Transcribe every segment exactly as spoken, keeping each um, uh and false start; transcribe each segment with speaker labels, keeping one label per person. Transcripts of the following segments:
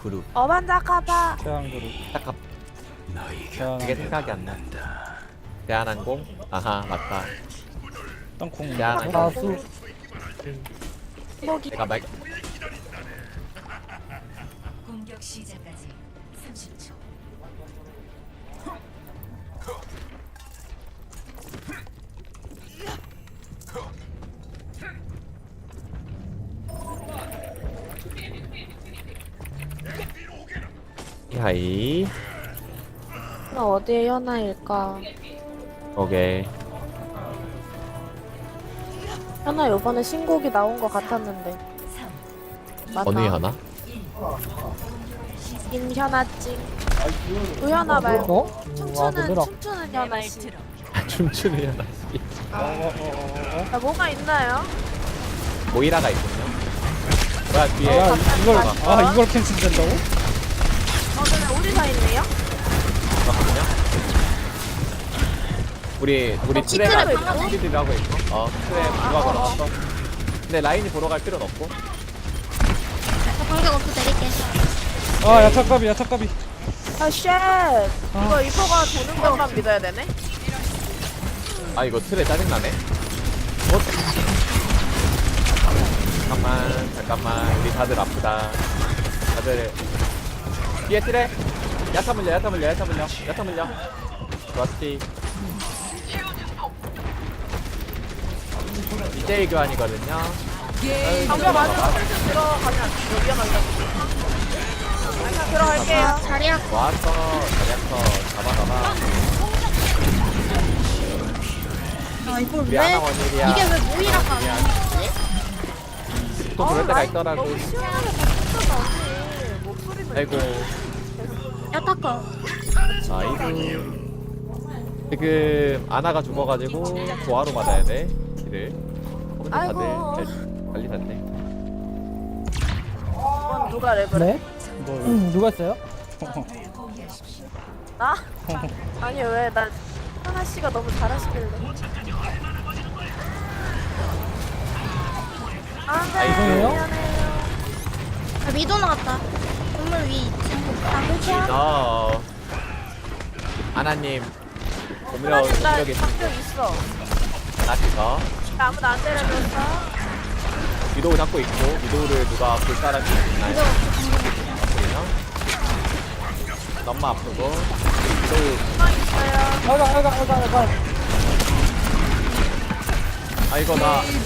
Speaker 1: 어반자카파.
Speaker 2: 대한그룹.
Speaker 3: 잠깐
Speaker 2: 대한.
Speaker 3: 이게 생각이 안 나. 대한항공? 아하 맞다.
Speaker 2: 땅콩.
Speaker 3: 대한항공.
Speaker 4: 가수.
Speaker 1: 목이.
Speaker 3: 내가 말
Speaker 5: 공격 시작까지 삼십 초.
Speaker 3: 하이.
Speaker 1: 나 어디에 현아일까?
Speaker 3: 오케이.
Speaker 1: 현아 요번에 신곡이 나온 것 같았는데. 맞나?
Speaker 3: 어느 하나?
Speaker 1: 임현아찡. 우현아 말고
Speaker 4: 어? 와,
Speaker 1: 춤추는
Speaker 4: 얘들아.
Speaker 1: 춤추는 현아 씨.
Speaker 3: 춤추는 하나.
Speaker 2: 어어어어.
Speaker 1: 아, 뭐가 있나요?
Speaker 3: 모이라가 있군요. 뭐야 뒤에.
Speaker 2: 야 이걸 아 이걸 캔슬된다고?
Speaker 1: 어, 근데 우리 다 있네요?
Speaker 3: 잠깐만요. 우리 우리 트레가
Speaker 1: 트랩 방금
Speaker 3: 스피드를 하고 있고. 어 트레 누가 걸어놨어? 근데 라인이 보러 갈 필요는 없고.
Speaker 6: 저 방벽 없어 내릴게.
Speaker 2: 아 야타까비 야타까비.
Speaker 1: 아, 쉣. 이거 이포가 도는 것만 믿어야 되네?
Speaker 3: 아 이거 트레 짜증나네. 어? 잠깐만 잠깐만 우리 다들 아프다. 다들 뒤에 트레. 야타 물려 야타 물려 야타 물려 야타 물려. 좋았지. 디제이 교환이거든요.
Speaker 1: 방벽 맞으면 슬슬 들어가면 안 돼요. 위험하다. 아, 그냥 들어갈게요.
Speaker 6: 자리야.
Speaker 3: 왔어 자리야터 잡아 잡아.
Speaker 6: 아 이걸
Speaker 3: 우리
Speaker 6: 왜?
Speaker 3: 하나 원일이야.
Speaker 6: 이게 왜 모이라고 안
Speaker 3: 미안.
Speaker 6: 하지?
Speaker 3: 또 그럴 때가
Speaker 1: 라인
Speaker 3: 있더라고.
Speaker 1: 너무 시원하게 바뀌었다, 언니. 목소리는.
Speaker 3: 아이고
Speaker 6: 야타커.
Speaker 3: 아이고. 지금 아나가 죽어가지고 조화로 받아야 돼 길을. 어, 근데 다들
Speaker 1: 아이고.
Speaker 3: 잘 관리 됐네.
Speaker 1: 이건 누가 랩을 해?
Speaker 4: 네?
Speaker 2: 뭐
Speaker 4: 음, 누가 했어요?
Speaker 1: 나? 아니, 왜, 나, 하나 씨가 너무 잘하시길래. 아, 네.
Speaker 4: 아이고예요?
Speaker 1: 미안해요.
Speaker 6: 아 미도 나왔다. 건물 위 이층. 아
Speaker 3: 너 아나님 오늘은
Speaker 1: 하나님, 나
Speaker 3: 공격이
Speaker 1: 방벽 있어.
Speaker 3: 나시서
Speaker 1: 나 아무도 안 때려줬어.
Speaker 3: 위도우 잡고 있고 위도우를 누가 볼 사람이 있나요? 보이나? 너무 아프고 위도우
Speaker 1: 가만 있어요.
Speaker 4: 아이가, 아이가, 아이가, 아이가.
Speaker 3: 아 이거 나 아니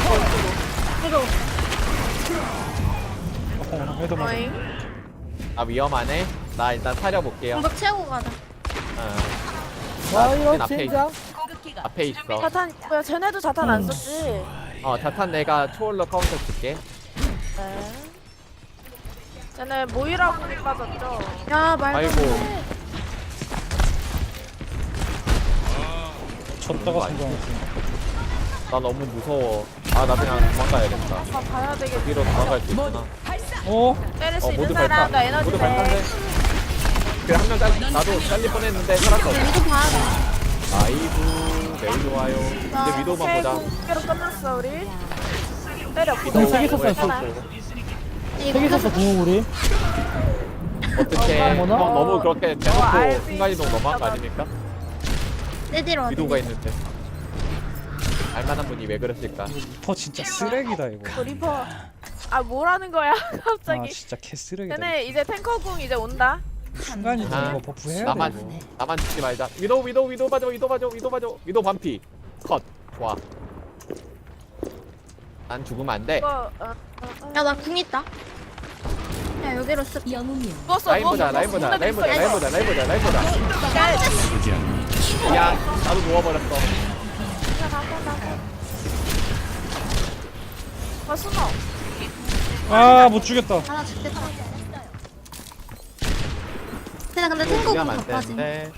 Speaker 2: 어 해도 맞아.
Speaker 1: 어잉?
Speaker 3: 아 위험하네. 나 일단 사려볼게요.
Speaker 6: 방벽 채우고 가자.
Speaker 3: 어.
Speaker 4: 와,
Speaker 3: 나
Speaker 4: 이런
Speaker 3: 앞에
Speaker 4: 젠장.
Speaker 3: 앞에 있어.
Speaker 1: 자탄, 뭐야, 쟤네도 자탄 안 썼지?
Speaker 3: 어 자탄 내가 초월로 카운터 줄게.
Speaker 1: 네. 쟤네 모이라고 빠졌죠?
Speaker 6: 야 말도 안
Speaker 3: 아이고
Speaker 6: 돼.
Speaker 2: 쳤다가 성공했어.
Speaker 3: 나 너무 무서워. 아 나 그냥 도망가야겠다.
Speaker 1: 아, 봐야 되겠다.
Speaker 3: 여기로 도망갈 수 있구나.
Speaker 2: 어?
Speaker 1: 때릴 수
Speaker 3: 어
Speaker 1: 있는
Speaker 3: 모두
Speaker 1: 사람,
Speaker 3: 발판.
Speaker 1: 나 에너지
Speaker 3: 모두
Speaker 1: 돼.
Speaker 3: 발판돼. 그래 한 명 잘 나도 잘릴 뻔했는데 살았어.
Speaker 6: 미도 봐야 돼.
Speaker 3: 아이고 매우 좋아요. 이제 위도우만 보자.
Speaker 1: 공개로 끝났어, 우리. 때려,
Speaker 3: 위도우
Speaker 4: 공 세개
Speaker 3: 공을
Speaker 4: 썼어요,
Speaker 3: 쏘고.
Speaker 4: 세개 썼어, 궁우리.
Speaker 3: 어떻게 형
Speaker 4: 어머나.
Speaker 3: 너무 그렇게
Speaker 1: 어,
Speaker 3: 대놓고
Speaker 1: 알지.
Speaker 3: 순간이동 너무한 거 아닙니까?
Speaker 6: 내 뒤로 와야
Speaker 3: 위도우가
Speaker 6: 돼.
Speaker 3: 있는데. 알만한 분이 왜 그러실까?
Speaker 2: 리퍼 진짜 쓰레기다 이거.
Speaker 1: 그 리퍼. 아, 뭐라는 거야,
Speaker 2: 아
Speaker 1: 갑자기.
Speaker 2: 진짜 개 쓰레기다.
Speaker 1: 쟤네 이제 탱커궁 이제 온다.
Speaker 2: 순간이
Speaker 3: 아,
Speaker 2: 이거 버프해야 돼.
Speaker 3: 나만
Speaker 2: 이거.
Speaker 3: 나만 죽지 말자. 위도우 위도우 위도우 봐줘 위도우 봐줘 위도우 봐줘 위도우 반피. 컷. 좋아. 난 죽으면 안 돼.
Speaker 1: 이거, 어, 어, 어.
Speaker 6: 야나 궁 있다. 야 여기로 쓱.
Speaker 5: 영웅이요.
Speaker 1: 누웠어,
Speaker 3: 라인 보자
Speaker 1: 누웠어.
Speaker 3: 라인 보자
Speaker 1: 누웠어.
Speaker 3: 라인 보자
Speaker 1: 누웠어.
Speaker 3: 라인 보자 라인 보자 라인 보자. 야 나도 누워버렸어.
Speaker 1: 아, 숨어.
Speaker 2: 아못 죽였다.
Speaker 6: 하나 죽겠다. 근데 근데
Speaker 3: 또
Speaker 6: 탱커 궁
Speaker 3: 무리하면 안
Speaker 6: 바빠지.
Speaker 3: 되는데.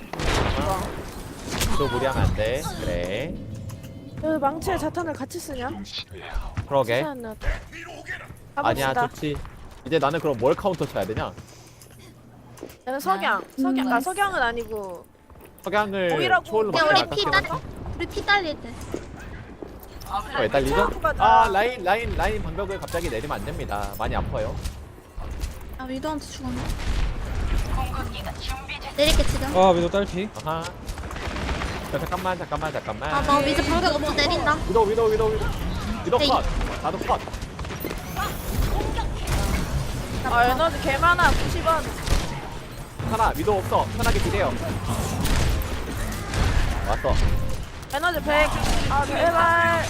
Speaker 3: 또 무리하면 안 돼. 그래.
Speaker 1: 그 망치에 자탄을 같이 쓰냐?
Speaker 3: 그러게.
Speaker 1: 괜찮아.
Speaker 3: 아니야
Speaker 1: 가봅시다.
Speaker 3: 좋지. 이제 나는 그럼 뭘 카운터 쳐야 되냐?
Speaker 1: 얘는 석양. 석양. 아, 석양은 아니고.
Speaker 3: 석양을
Speaker 1: 오이라고.
Speaker 3: 초월로
Speaker 6: 야
Speaker 3: 막는
Speaker 6: 우리
Speaker 3: 게
Speaker 6: 피
Speaker 3: 낫겠지?
Speaker 6: 딸. 우리 피 딸릴 때.
Speaker 3: 왜 딸리죠?
Speaker 1: 체험하고 가자.
Speaker 3: 아 라인 라인 라인 방벽을 갑자기 내리면 안 됩니다. 많이 아파요.
Speaker 6: 아 아 위도한테 죽었네. 내릴게 지금.
Speaker 2: 아 위도 딸피.
Speaker 3: 아하. 자, 잠깐만 잠깐만 잠깐만.
Speaker 6: 아나 미드 방벽 없어 내린다.
Speaker 3: 위도 위도 위도 위도. 위도
Speaker 6: 에이.
Speaker 3: 컷. 나도 컷.
Speaker 1: 아 에너지 개 많아. 구십 원.
Speaker 3: 하나 위도 없어. 편하게 기대요. 왔어.
Speaker 1: 에너지 백. 아 제발.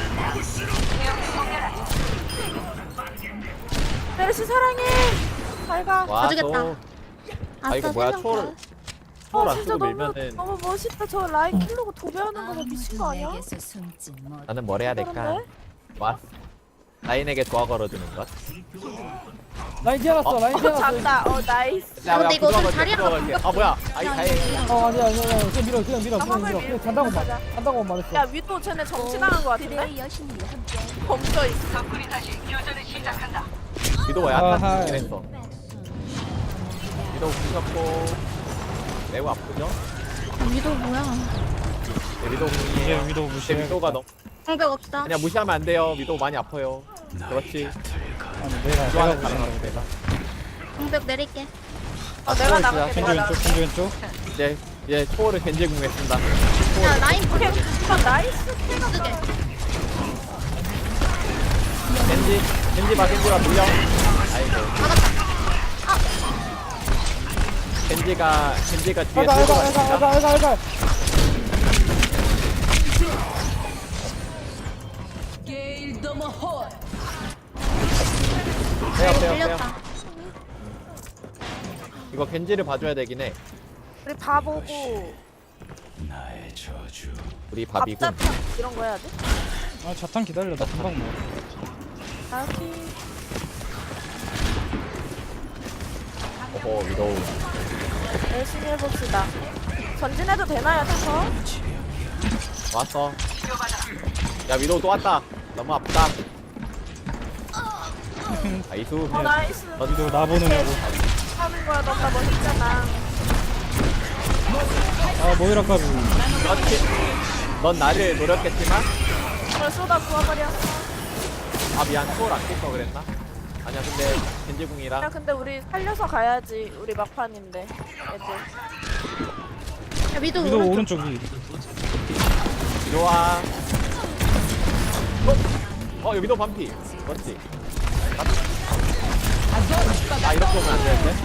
Speaker 1: 메르시 사랑해. 잘가.
Speaker 3: 와
Speaker 6: 가주겠다.
Speaker 3: 또. 아 이거 뭐야 초월 초월
Speaker 1: 어
Speaker 3: 안
Speaker 1: 진짜
Speaker 3: 쓰고
Speaker 1: 너무
Speaker 3: 밀면은
Speaker 1: 너무 멋있다. 저 라인 킬로고 도배하는 거 봐. 미친 거 아니야?
Speaker 5: 내게서 숨지 못.
Speaker 3: 나는 뭘 해야 될까?
Speaker 1: 그런데?
Speaker 3: 와. 라인에게 도와 걸어주는 것.
Speaker 4: 라인 지어놨어
Speaker 3: 어?
Speaker 4: 라인
Speaker 1: 어
Speaker 4: 지어놨어.
Speaker 1: 잡다. 어 나이스.
Speaker 3: 야,
Speaker 6: 근데
Speaker 3: 야,
Speaker 6: 이거 좀
Speaker 3: 부숴볼게,
Speaker 6: 자리가
Speaker 3: 부숴볼게.
Speaker 6: 바뀌었어.
Speaker 3: 아 뭐야? 아이 다행이야.
Speaker 4: 어 아니야 아니야 아니야. 그냥 밀어 그냥 밀어 그냥 밀어
Speaker 1: 나
Speaker 4: 그냥 밀어.
Speaker 1: 화물
Speaker 4: 그냥 잔다고 말
Speaker 1: 가자.
Speaker 4: 잔다고
Speaker 1: 야
Speaker 4: 말했어.
Speaker 1: 위도 쟤네 정치당한 거 같은데? 멈춰 있어.
Speaker 3: 위도
Speaker 2: 아하.
Speaker 3: 약간 죽긴 했어. 위도 부셨고 매우 아프죠?
Speaker 6: 아, 위도 뭐야?
Speaker 3: 네, 위도
Speaker 2: 이제
Speaker 3: 궁이에요.
Speaker 2: 위도
Speaker 3: 이제
Speaker 2: 무시해.
Speaker 3: 위도가 너무
Speaker 6: 방벽 없다.
Speaker 3: 그냥 무시하면 안 돼요. 위도 많이 아파요. 그렇지.
Speaker 2: 아니 내가 내가
Speaker 3: 좋아하는
Speaker 2: 무시한다고
Speaker 3: 가능성
Speaker 2: 내가.
Speaker 6: 방벽 내릴게.
Speaker 1: 어 내가
Speaker 3: 초월
Speaker 1: 나갈게.
Speaker 3: 진짜
Speaker 2: 겐지
Speaker 1: 내가
Speaker 2: 왼쪽
Speaker 1: 나갈게.
Speaker 2: 겐지 왼쪽.
Speaker 3: 이제 이제 초월을 겐지 궁했습니다.
Speaker 6: 야 라인 방벽
Speaker 1: 오케이. 이거 나이스.
Speaker 6: 쓰게.
Speaker 3: 겐지 겐지 봐 겐지 봐 물려. 아이고. 겐지가 겐지가 뒤에
Speaker 4: 알가
Speaker 3: 들고
Speaker 4: 알가 알가
Speaker 3: 갔습니다.
Speaker 4: 알가 알가 알가.
Speaker 3: 빼요
Speaker 6: 라인
Speaker 3: 빼요 빼요.
Speaker 6: 밀렸다.
Speaker 3: 이거 겐지를 봐줘야 되긴 해.
Speaker 1: 우리 바보고
Speaker 3: 우리 바비군.
Speaker 1: 밥잡탕 이런 거 해야 돼?
Speaker 2: 아 자탄 기다려 나 금방 먹어.
Speaker 1: 알았지.
Speaker 3: 오호 위도.
Speaker 1: 열심히 해봅시다. 전진해도 되나요, 탱커?
Speaker 3: 왔어. 야 위도 또 왔다. 너무 아프다. 아이수.
Speaker 1: 어 나이스.
Speaker 2: 위도 나 보느냐고.
Speaker 1: 하는 거야 너무나 멋있잖아.
Speaker 2: 아 모이라 까비.
Speaker 3: 그렇지. 넌 나를 노렸겠지만
Speaker 1: 그걸 쏟아 부어버려.
Speaker 3: 아 미안 초월 안 낄 거 그랬나? 아니야 근데 겐지궁이라
Speaker 1: 야 근데 우리 살려서 가야지. 우리 막판인데. 애들.
Speaker 6: 야 위도
Speaker 2: 위도
Speaker 6: 오른쪽.
Speaker 2: 오른쪽 위.
Speaker 3: 좋아. 어? 어 여기도 반피. 그렇지. 아 이렇게 오면 안 되는데?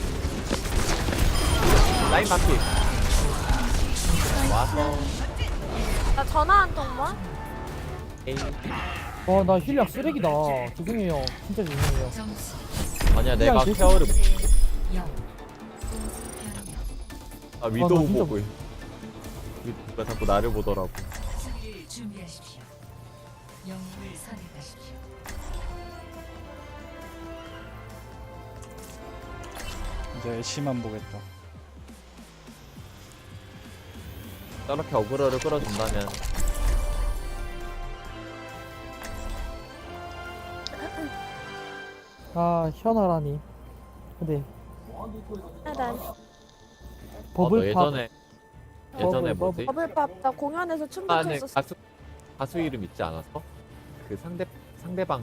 Speaker 3: 라인 반피. 와서
Speaker 1: 나 전화 한 통만.
Speaker 3: 에이.
Speaker 4: 어나 힐량 쓰레기다. 죄송해요. 진짜 죄송해요.
Speaker 5: 점수
Speaker 3: 아니야 내가
Speaker 4: 그냥
Speaker 3: 케어를 못-
Speaker 5: 영.
Speaker 3: 아 위도
Speaker 4: 아, 나 진짜
Speaker 3: 보고 왜 자꾸 나를 보더라고.
Speaker 5: 수비를 준비하십시오. 영웅을 선택하십시오.
Speaker 2: 이제 애쉬만 보겠다.
Speaker 3: 저렇게 어그로를 끌어준다면
Speaker 4: 아 현아라니. 근데
Speaker 1: 아, 난
Speaker 3: 어, 너
Speaker 4: 버블팝
Speaker 3: 예전에 예전에
Speaker 4: 버블,
Speaker 3: 뭐지?
Speaker 1: 버블팝 나 공연에서 춤도
Speaker 3: 안에
Speaker 1: 췄었어.
Speaker 3: 가수 가수 이름 있지 않았어? 그 상대 상대방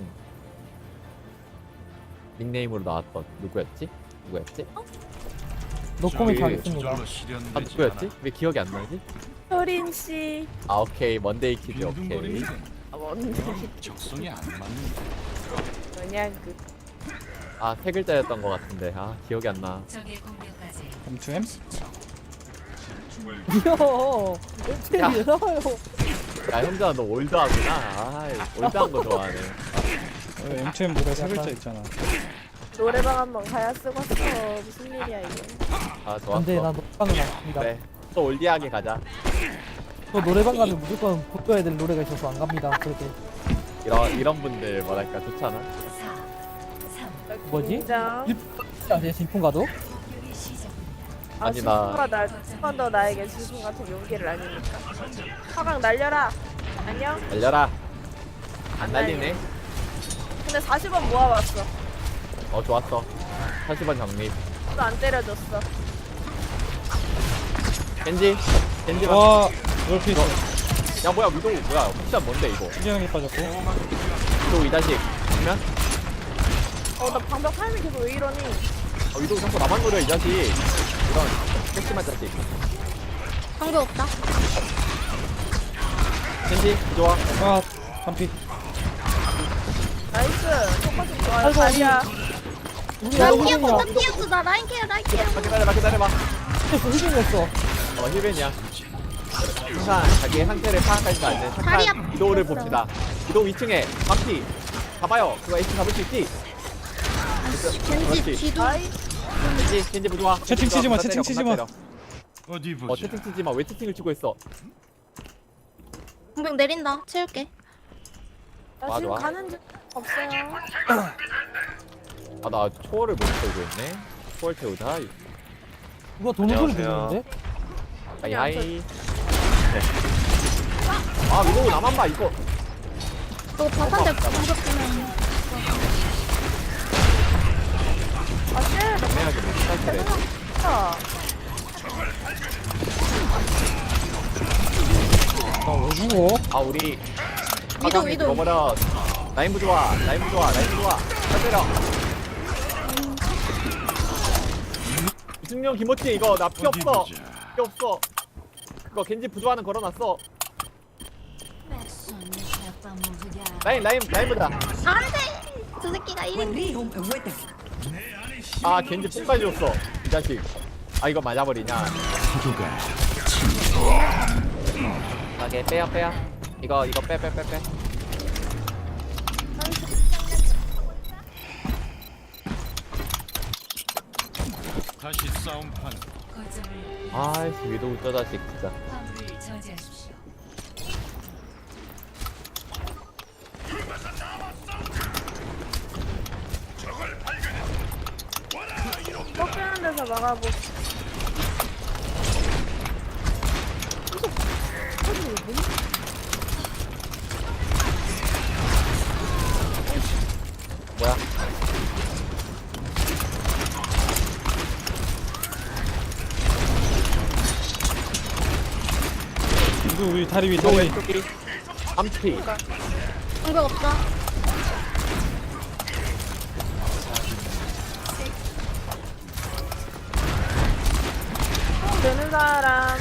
Speaker 3: 닉네임으로 나왔던 누구였지? 누구였지?
Speaker 4: 노코멘트
Speaker 3: 저기
Speaker 4: 하겠습니다.
Speaker 3: 아 누구였지? 왜 기억이 안 나지?
Speaker 1: 효린 씨.
Speaker 3: 아 오케이 먼데이 키즈 오케이.
Speaker 1: 아, 뭔데?
Speaker 7: 적성이 안 맞는
Speaker 1: 그냥 그.
Speaker 3: 아 세 글자였던 것 같은데 아 기억이 안 나.
Speaker 5: 적의 공격까지
Speaker 2: 엠투엠?
Speaker 4: 이요.
Speaker 3: 야.
Speaker 4: 왜 나와요?
Speaker 3: 야 형제야 너 올드하구나. 아 올드한 거 좋아하네.
Speaker 2: 어, 엠투엠 노래 세 글자 있잖아.
Speaker 1: 노래방 한번 가야 쓰겠어. 무슨 일이야 이게.
Speaker 3: 아 좋았어.
Speaker 4: 안돼 나 노래방을 나갑니다.
Speaker 3: 그래 또 올드하게 가자.
Speaker 4: 저 노래방 가면 무조건 고쳐야 될 노래가 있어서 안 갑니다. 그렇게
Speaker 3: 이런 이런 분들 뭐랄까 좋잖아.
Speaker 5: 사, 삼.
Speaker 4: 뭐지?
Speaker 1: 인정.
Speaker 4: 아니야 진풍가도?
Speaker 5: 공격이 시작.
Speaker 1: 아,
Speaker 3: 아니, 나-
Speaker 1: 지수가 나한번 더 나에게 지수 같은 용기를 아니니까. 화강 날려라. 안녕.
Speaker 3: 날려라. 안 날리네.
Speaker 1: 근데 사십 원 모아왔어.
Speaker 3: 어 좋았어. 사십 원 정립.
Speaker 1: 또 안 때려줬어.
Speaker 3: 겐지 겐지 봐.
Speaker 2: 와 롤피 있어.
Speaker 3: 야 뭐야 위도 뭐야 옵션 뭔데 이거?
Speaker 2: 신기하게 빠졌고.
Speaker 3: 위도 이 자식 그러면
Speaker 1: 어나 방벽 타이밍 계속 왜 이러니?
Speaker 3: 어, 위도우 자꾸 나만 노려 이 자식. 이런 핵심한 자식.
Speaker 6: 방법 없다.
Speaker 3: 켄지 좋아.
Speaker 2: 아 한피.
Speaker 1: 나이스. 똑같이 좋아요.
Speaker 4: 아이고,
Speaker 1: 자리야.
Speaker 4: 우리
Speaker 6: 나
Speaker 4: 라인
Speaker 6: 피었어, 나
Speaker 4: 힐벤이야.
Speaker 6: 피었어, 나 라인 케어, 라인 케어.
Speaker 3: 아, 기다려봐 기다려봐.
Speaker 4: 힐벤이었어.
Speaker 3: 어 힐벤이야. 항상 자기의 상태를 파악하지 않는
Speaker 6: 다리
Speaker 3: 착한
Speaker 6: 앞-
Speaker 3: 위도우를 봅시다. 위도우 이 층에 반피. 봐봐요. 그거 에이치 잡을 수 있지?
Speaker 6: 겐지
Speaker 3: 그렇지.
Speaker 6: 뒤도.
Speaker 1: 아이.
Speaker 3: 겐지 겐지 부좋아.
Speaker 2: 채팅 치지 마, 채팅 치지 마.
Speaker 7: 어디
Speaker 3: 어
Speaker 7: 보자.
Speaker 3: 채팅 치지 마. 왜 채팅을 치고 있어?
Speaker 6: 공백 내린다. 채울게.
Speaker 1: 나
Speaker 3: 맞아,
Speaker 1: 지금
Speaker 3: 맞아.
Speaker 1: 가는 중 없어요.
Speaker 3: 아 나 초월을 못 채우고 있네. 초월 채우자.
Speaker 4: 이거 도는 소리 들리는데?
Speaker 3: 하이 하이. 아 위도우 나만 봐 이거.
Speaker 6: 너 바탄데 공격 주면.
Speaker 1: 아 쉣.
Speaker 3: 애매하게 못 살게.
Speaker 1: 아.
Speaker 4: 나왜 죽어?
Speaker 3: 아 우리
Speaker 6: 위도우,
Speaker 3: 화강이
Speaker 6: 위도우.
Speaker 3: 죽어버려. 라인 부좋아. 라인 부좋아. 라인 부좋아. 잘 때려. 이승용 김호치 이거 나 피
Speaker 7: 어디
Speaker 3: 없어.
Speaker 7: 보자.
Speaker 3: 피 없어. 그거 겐지 부조하는 걸어놨어. 라인 라인 라인 보자.
Speaker 6: 안 돼! 저 새끼가 일 인.
Speaker 3: 아 겐지 뽕까지 줬어. 이 자식. 아 이거 맞아버리냐. 오케이 빼야 빼야. 이거 이거 빼 빼 빼 빼.
Speaker 7: 다시 싸움판.
Speaker 5: 거점을
Speaker 3: 아이씨 위도우 저 자식 진짜.
Speaker 5: 화물을 저지하십시오.
Speaker 1: 꺾이는 데서 막아보.
Speaker 3: 뭐야?
Speaker 2: 위도 우리 다리 위
Speaker 3: 위도우
Speaker 2: 다리 위.
Speaker 3: 왼쪽이 암피.
Speaker 6: 공격 없다.
Speaker 1: 되는 사람.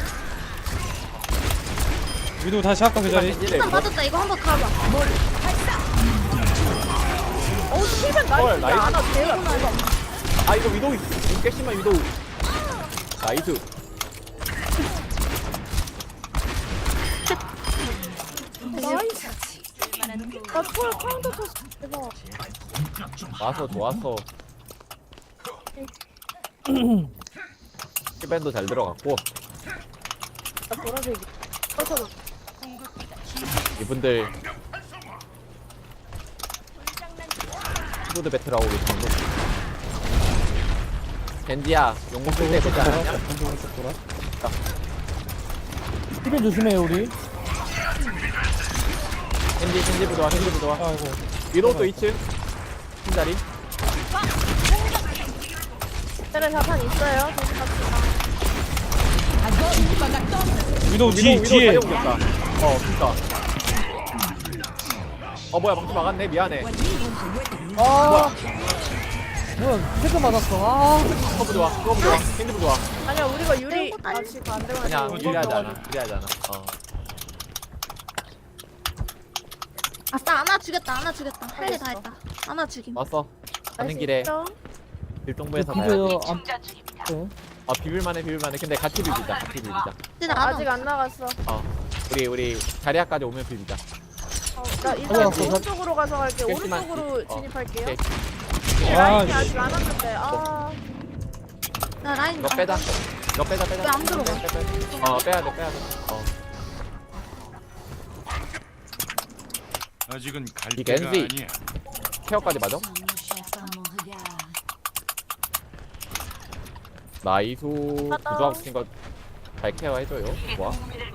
Speaker 2: 위도 다시 아까 그 자리.
Speaker 6: 일단 맞았다. 이거 한번 가봐.
Speaker 1: 어 실은
Speaker 3: 헐,
Speaker 1: 나이스.
Speaker 3: 나이스.
Speaker 1: 아나 대박 대박.
Speaker 3: 아 이거 위도우 있어. 깨심한 위도우. 나이스.
Speaker 1: 나이스. 나 초월 카운터 쳤어. 대박.
Speaker 3: 와서 좋았어. 힐밴도 잘 들어갔고
Speaker 1: 나 보라색이. 펼쳐줘.
Speaker 3: 이분들 키보드 배틀하고 계시는 겐지야 용공 쓸때 보지 않았냐?
Speaker 2: 왼쪽 왼쪽 돌아.
Speaker 4: 힐벤 조심해요 우리.
Speaker 3: 겐지 겐지 부좋아 겐지 부좋아.
Speaker 2: 아이고.
Speaker 3: 위도우 또 이 층 흰자리.
Speaker 1: 쟤네 자판 있어요. 저기 갑시다.
Speaker 2: 위도 뒤
Speaker 3: 위도우
Speaker 2: 뒤에.
Speaker 3: 자리 옮겼다. 어 그니까. 어 뭐야 방금 막았네 미안해.
Speaker 4: 아. 뭐야 헤드 맞았어. 아.
Speaker 3: 그거 부좋아 그거 부좋아 겐지 부좋아.
Speaker 1: 아니야 우리가 유리.
Speaker 6: 이거 아니-
Speaker 1: 아 지금 안 되면
Speaker 3: 아니야
Speaker 1: 안 돼.
Speaker 3: 유리하지 않아 유리하지 않아. 어.
Speaker 6: 아싸, 하나 죽였다. 하나 죽였다. 할 일 다 했다. 하나 죽임.
Speaker 3: 왔어. 가는 길에 일동부에서 가야 돼.
Speaker 4: 비벼요. 안. 네.
Speaker 3: 아 비빌만해 비빌만해. 근데 같이 비비자 같이 비비자.
Speaker 6: 근데 나
Speaker 1: 아직 안 나갔어.
Speaker 3: 어 우리 우리 자리아까지 오면 비비자.
Speaker 1: 어, 나 일단
Speaker 4: 올라왔어.
Speaker 1: 오른쪽으로 가서 갈게.
Speaker 3: 깨끗이만-
Speaker 1: 오른쪽으로
Speaker 3: 어,
Speaker 1: 진입할게요.
Speaker 3: 오케이.
Speaker 2: 아,
Speaker 1: 라인이 아직 안 왔는데. 아.
Speaker 6: 나 라인.
Speaker 3: 이거 빼자. 이거 빼자 빼자.
Speaker 6: 왜안 들어가?
Speaker 3: 빼, 빼, 빼. 어 빼야 돼 빼야 돼. 어
Speaker 7: 아직은 갈
Speaker 3: 이
Speaker 7: 때가
Speaker 3: 겐지.
Speaker 7: 아니야.
Speaker 3: 케어까지 맞아? 나이수
Speaker 1: 맞다.
Speaker 3: 부조하고 싶은 거 잘 케어해줘요. 좋아.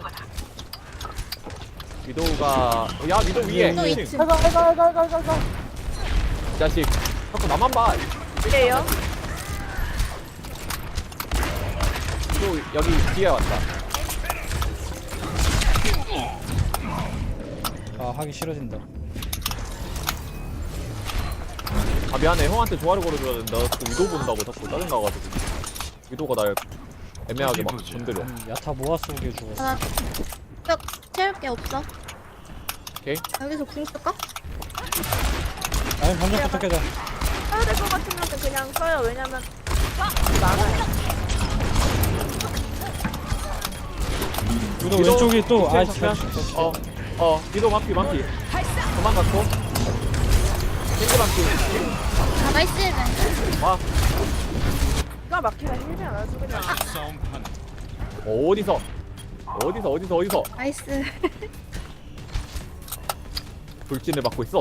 Speaker 3: 위도우가 야 위도우 위에.
Speaker 6: 위도우
Speaker 3: 이
Speaker 6: 이 층.
Speaker 4: 가가 가가 가가 가가 가.
Speaker 3: 이 자식. 자꾸 나만 봐.
Speaker 1: 이래요?
Speaker 3: 위도우 여기 뒤에 왔다.
Speaker 2: 아 하기 싫어진다.
Speaker 3: 아 미안해 형한테 조화를 걸어줘야 된다. 또 위도 본다고 자꾸 짜증나가지고 위도가 날 애매하게 막
Speaker 7: 어디 보자.
Speaker 3: 건드려.
Speaker 2: 음, 야타 모아 쏘게 죽었어.
Speaker 6: 나 벽 채울 게 없어.
Speaker 3: 오케이.
Speaker 6: 여기서 궁 쓸까?
Speaker 2: 아니 반전부터 깨자.
Speaker 1: 써야 될 것 같으면 그냥 써요. 왜냐면 많아요.
Speaker 2: 위도
Speaker 3: 위도
Speaker 2: 왼쪽이 또
Speaker 3: 뒤에
Speaker 2: 아이
Speaker 3: 정면.
Speaker 2: 잘 죽었어.
Speaker 3: 어, 어, 위도 만피, 만피. 도망갔고. 겐지 만피.
Speaker 6: 아 나이스.
Speaker 3: 와,
Speaker 1: 기가 막히다 힐이 안 하죠 그냥.
Speaker 7: 다시 싸움판.
Speaker 3: 어디서? 어디서, 어디서, 어디서?
Speaker 6: 나이스.
Speaker 3: 돌진을 받고 있어.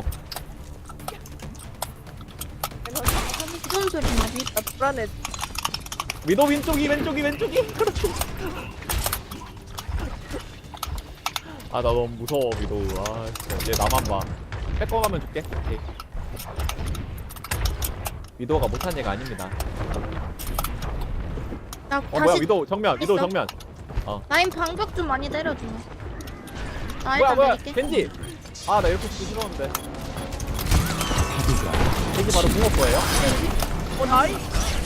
Speaker 6: 무슨 소리 나지?
Speaker 1: 나 불안해.
Speaker 3: 위도 왼쪽이, 왼쪽이, 왼쪽이. 그렇지. 아, 나 너무 무서워, 위도. 아, 진짜. 얘 나만 봐. 뺏고 가면 줄게. 오케이. 위도가 못한 얘가 아닙니다.
Speaker 6: 나
Speaker 3: 어,
Speaker 6: 다시
Speaker 3: 뭐야, 위도 정면, 위도
Speaker 6: 있어?
Speaker 3: 정면.
Speaker 6: 라인 방벽 좀 많이 때려줘. 나
Speaker 3: 뭐야,
Speaker 6: 일단
Speaker 3: 뭐야,
Speaker 6: 내릴게.
Speaker 3: 겐지. 아, 나 이렇게 쓰기 싫었는데. 겐지 바로 붕어 거예요?
Speaker 1: 어 나이.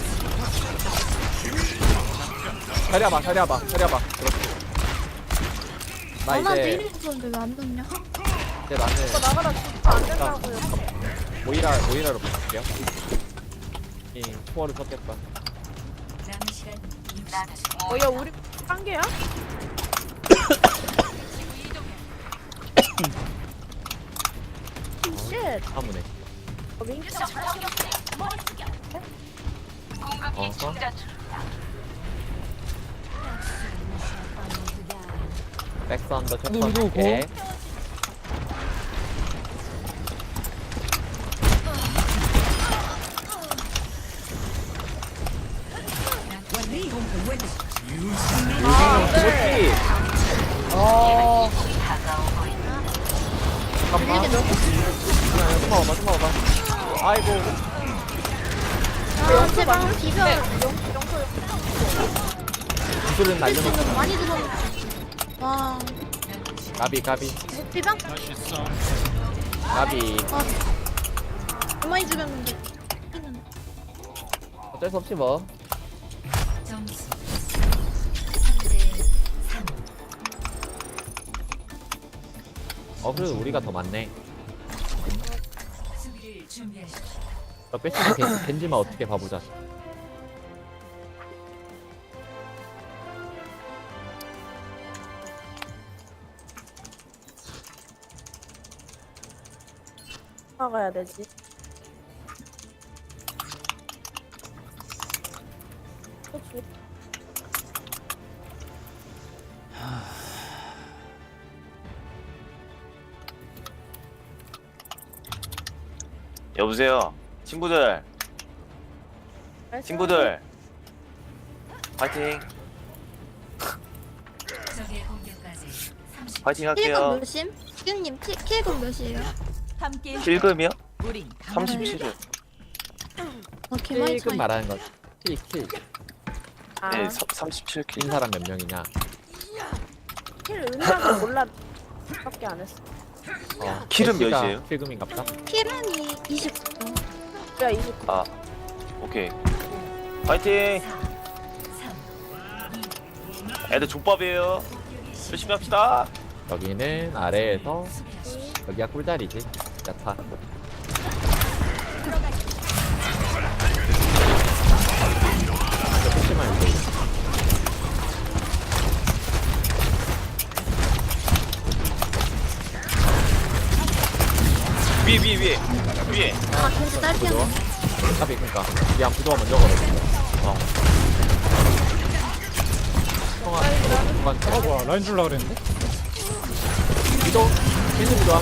Speaker 3: 자리야봐, 자리야봐, 자리야봐. 그렇지. 나
Speaker 6: 아, 나
Speaker 3: 이제,
Speaker 6: 내리는 건데 왜 안 넣냐?
Speaker 3: 이제 나는
Speaker 1: 이거 나가다 진짜 안 된다고요.
Speaker 3: 모이라, 모이라로 바꿀게요. 이 초월을 썼겠다.
Speaker 5: 남은 시간
Speaker 1: 어야 우리 한 개야? 쉣.
Speaker 3: 아무네.
Speaker 1: 어, 민규
Speaker 3: 어허. 백선더
Speaker 2: 근데
Speaker 3: 첫번
Speaker 2: 위도
Speaker 3: 할게. 그렇지.
Speaker 4: 아
Speaker 3: 잠깐만. 그냥 좀 봐봐, 좀 봐봐. 아이고.
Speaker 6: 아 제발 비벼.
Speaker 3: 구슬은 날려놓고.
Speaker 6: 지금 많이 들었는데. 와.
Speaker 3: 가비, 가비,
Speaker 6: 비벼?
Speaker 7: 다시 싸움.
Speaker 3: 가비.
Speaker 6: 아. 많이 죽였는데.
Speaker 3: 어쩔 수 없지 뭐.
Speaker 5: 점수 삼 대 삼.
Speaker 3: 어, 그래도 우리가 더 많네.
Speaker 5: 수비를 준비하십시오.
Speaker 3: 너 빼시면 겐- 겐지만 어떻게 봐보자.
Speaker 1: 나가야 되지. 그치.
Speaker 8: 여보세요 친구들 친구들 파이팅
Speaker 5: 적의 공격까지 삼십.
Speaker 8: 파이팅
Speaker 6: 킬금
Speaker 8: 할게요
Speaker 6: 몇심? 킬님 킬- 킬금 몇이에요?
Speaker 5: 함께
Speaker 8: 킬금이요?
Speaker 5: 우린
Speaker 8: 삼십칠 일
Speaker 6: 어 개많이
Speaker 3: 킬금
Speaker 6: 차이.
Speaker 3: 말하는 거. 킬, 킬.
Speaker 1: 아,
Speaker 8: 네 삼십칠 킬
Speaker 3: 낀 사람 몇 명이냐?
Speaker 1: 킬 은하가 몰라. 밖에 안 했어.
Speaker 3: 어,
Speaker 8: 킬은
Speaker 3: 애쉬가
Speaker 8: 몇이에요?
Speaker 3: 킬금인갑다.
Speaker 6: 킬은이 이십구.
Speaker 1: 야 이십구.
Speaker 8: 아 오케이 파이팅 애들 족밥이에요 열심히 합시다
Speaker 3: 여기는 아래에서 여기가 꿀자리지. 야타. 이거 조심만 해줘.
Speaker 8: 위에 위에 위에 위에
Speaker 6: 아 겐지 딸피였네.
Speaker 3: 까비 그니까 미안 부도가 먼저 걸었어. 어. 형아, 중간
Speaker 2: 아 뭐야 라인 줄라 그랬는데?
Speaker 3: 위도 겐지 좋아.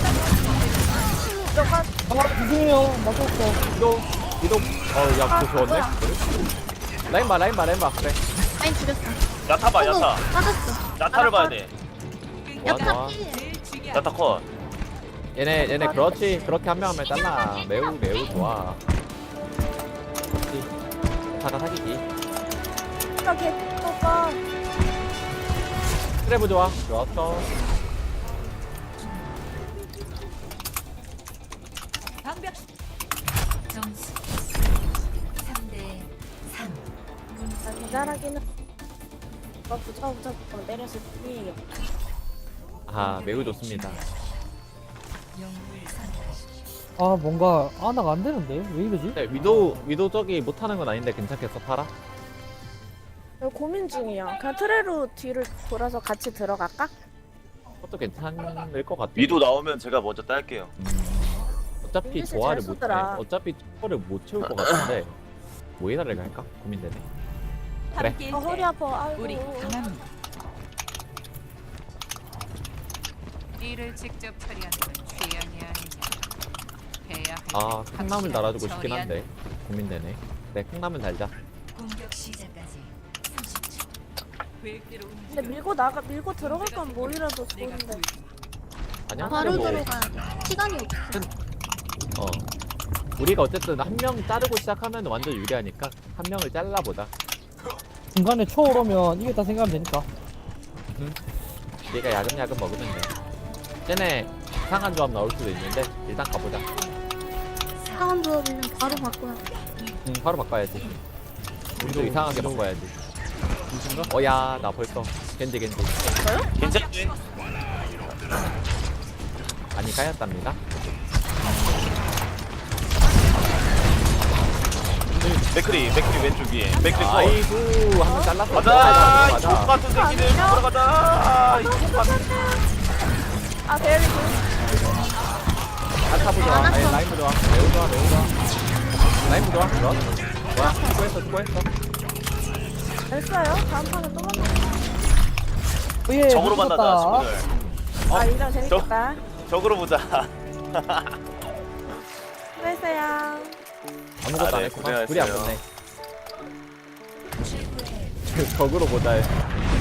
Speaker 4: 아 죄송해요 맞았어.
Speaker 3: 위도 위도 어야 그거 좋았네. 라인 봐 라인 봐 라인 봐 그래.
Speaker 6: 라인 죽였어.
Speaker 8: 야타 봐
Speaker 6: 어머,
Speaker 8: 야타
Speaker 6: 맞았어.
Speaker 8: 야타를 봐야 돼
Speaker 3: 좋아, 좋아.
Speaker 6: 야타 필.
Speaker 8: 야타 컷
Speaker 3: 얘네 얘네 그렇지 그렇게 한 명 하면 잘라. 매우 매우 좋아. 그렇지. 자가 사기기.
Speaker 1: 나 개똥가.
Speaker 3: 트래브 좋아. 좋았어.
Speaker 5: 방벽. 점수
Speaker 1: 아, 기다라기는 뭐 부처부터 내렸을 뿐이에요.
Speaker 3: 아 매우 좋습니다.
Speaker 5: 영웅을 선택하십시오.
Speaker 4: 아 뭔가 아나가 안 되는데 왜 이러지?
Speaker 3: 네, 위도 위도 저기 못하는 건 아닌데 괜찮겠어 팔아?
Speaker 1: 저 고민 중이야. 그냥 트레로 뒤를 돌아서 같이 들어갈까?
Speaker 3: 그것도 괜찮을 것 같아.
Speaker 8: 위도 나오면 제가 먼저 딸게요.
Speaker 3: 음, 어차피
Speaker 1: 민규 씨
Speaker 3: 조화를
Speaker 1: 잘
Speaker 3: 못 해.
Speaker 1: 쏘더라.
Speaker 3: 어차피 초월을 못 채울 것 같은데 뭐 해달래 갈까 고민되네. 그래.
Speaker 5: 함께일
Speaker 1: 아, 허리
Speaker 5: 때
Speaker 1: 아파. 아이고.
Speaker 5: 우리 강합니다. 일을 직접 처리하는 건 취향이 아니냐. 해야 할
Speaker 3: 아
Speaker 5: 때
Speaker 3: 콩나물 달아주고 싶긴
Speaker 5: 처리하는
Speaker 3: 한데 고민되네. 네 콩나물 달자.
Speaker 5: 공격 시작까지 삼십 초. 계획대로
Speaker 1: 근데 밀고 나가 밀고 들어갈 건 뭐이라도 좋은데.
Speaker 3: 아니야?
Speaker 6: 바로
Speaker 3: 근데 뭐,
Speaker 6: 들어가야 돼. 시간이 없어.
Speaker 3: 어 우리가 어쨌든 한 명 자르고 시작하면 완전 유리하니까 한 명을 잘라보자.
Speaker 4: 중간에 초월 오면 이겼다 생각하면 되니까.
Speaker 3: 얘가 야금야금 먹으면 돼. 쟤네 이상한 조합 나올 수도 있는데 일단 가보자.
Speaker 6: 상한 조합이면 바로 바꿔야 돼.
Speaker 3: 응 바로 바꿔야지. 우리도 이상하게 바꿔야지. 어야 나 벌써 겐지 겐지.
Speaker 8: 괜찮지?
Speaker 3: 아니 까였답니다.
Speaker 8: 맥크리 맥크리 왼쪽 위에. 맥크리 컷.
Speaker 3: 아이고 한 번 잘랐어.
Speaker 8: 가자. 이
Speaker 3: 맞아.
Speaker 8: 족 같은 새끼들 돌아가자. 이족 같은.
Speaker 1: 아 대리 그
Speaker 3: 안타부 좋아. 아니 라인부 좋아. 매우 좋아 매우 좋아. 라인부 좋아. 좋아. 뭐야 수고했어 수고했어.
Speaker 1: 됐어요. 다음 판에 또 만나.
Speaker 4: 예,
Speaker 8: 적으로
Speaker 4: 미쳤다.
Speaker 8: 만나자 친구들.
Speaker 1: 아 이랑 재밌겠다.
Speaker 8: 적으로 보자.
Speaker 1: 수고했어요.
Speaker 3: 아무것도
Speaker 8: 아,
Speaker 3: 안
Speaker 8: 네,
Speaker 3: 했구만. 둘이 안
Speaker 8: 고생하셨어요.
Speaker 3: 끝내. 적으로 보자.